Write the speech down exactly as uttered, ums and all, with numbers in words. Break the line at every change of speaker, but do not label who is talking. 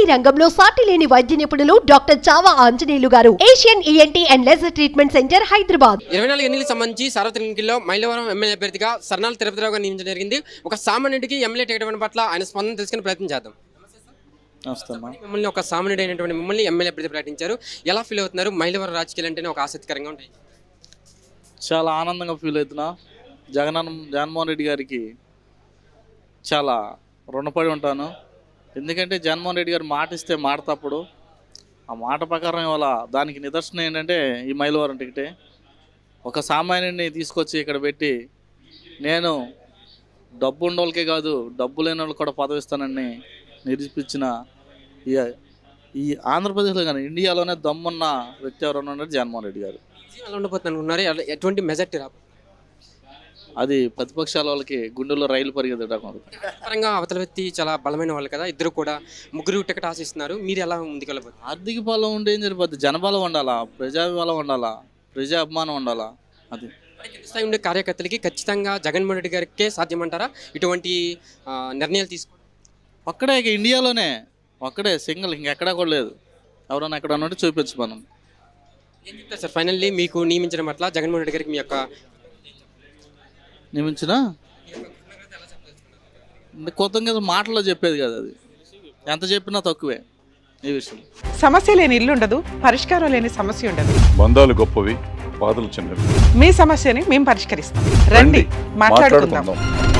ENT రంగంలో సాటి లేని వైద్య నిపుణులు doctor Chava Anjaneyulu garu, Asian ENT and laser treatment centre, Hyderabad.
ఇరవై నాలుగు ఎన్నికలకు సంబంధించి సార్వత్రిక ఎన్నికల్లో మైలవరం ఎమ్మెల్యే అభ్యర్థిగా సర్నాల తిరుపతిరావు గారు నియమించడం జరిగింది. ఒక సామాన్యుడికి ఎమ్మెల్యే టికెట్ ఇవ్వడం పట్ల ఆయన స్పందన తెలుసుకునే ప్రయత్నం చేద్దాం. మిమ్మల్ని ఒక సామాన్యుడు అయినటువంటి మిమ్మల్ని ఎమ్మెల్యే అభ్యర్థి ప్రకటించారు. ఎలా ఫీల్ అవుతున్నారు? మైలవరం రాజకీయాలు అంటేనే ఒక ఆసక్తికరంగా ఉంటాయి.
చాలా ఆనందంగా ఫీల్ అవుతున్నా. జగన్ జగన్మోహన్ రెడ్డి గారికి చాలా రుణపడి ఉంటాను. ఎందుకంటే జగన్మోహన్ రెడ్డి గారు మాట ఇస్తే మాట తప్పుడు, ఆ మాట ప్రకారం ఇవాళ దానికి నిదర్శనం ఏంటంటే ఈ మైలవరం టికెటే. ఒక సామాన్యుడిని తీసుకొచ్చి ఇక్కడ పెట్టి నేను డబ్బు ఉండోళ్ళకే కాదు డబ్బు లేని వాళ్ళకి కూడా పదవి ఇస్తానని నిరూపించిన ఈ ఈ ఆంధ్రప్రదేశ్లో కానీ ఇండియాలోనే దమ్మున్న వ్యక్తి ఎవరైనా ఉన్నారు జగన్మోహన్ రెడ్డి గారు.
ఎలా ఉండబోతుంది అనుకున్నారు? ఎటువంటి మెజార్టీ రా
అది ప్రతిపక్షాల వాళ్ళకి గుండెల్లో రైలు పరిగెత్తడం.
పరంగా అవతల వ్యక్తి చాలా బలమైన వాళ్ళు కదా, ఇద్దరు కూడా ముగ్గురు టికెట్ ఆశిస్తున్నారు. మీరు ఎలా ముందుకెళ్ళబోతున్నారు?
ఆర్థిక బలం ఉంటే ఏం సరిపోద్ది, జనబలం ఉండాలా, ప్రజాబలం ఉండాలా, ప్రజా అభిమానం ఉండాలా. అది
స్థాయి ఉండే కార్యకర్తలకి ఖచ్చితంగా జగన్మోహన్ రెడ్డి గారికే సాధ్యమంటారా ఇటువంటి నిర్ణయాలు తీసుకో?
ఒక్కడే ఇక ఇండియాలోనే ఒక్కడే సింగిల్, ఇంకెక్కడా కూడా లేదు. ఎవరైనా ఎక్కడ ఉన్నట్టు చూపించు మనం.
ఏం చెప్తారు సార్ ఫైనల్లీ మీకు నియమించడం పట్ల జగన్మోహన్ రెడ్డి గారికి మీ యొక్క
నియమించిన కొత్తగా మాటల్లో చెప్పేది కదా, అది ఎంత చెప్పినా తక్కువే ఈ విషయం.
సమస్య లేని ఇల్లు ఉండదు, పరిష్కారం లేని సమస్య ఉండదు.
బంధాలు గొప్పవి, బాధలు చిన్నవి.
మీ సమస్యని మేము పరిష్కరిస్తాం. రండి, మాట్లాడుకుందాం.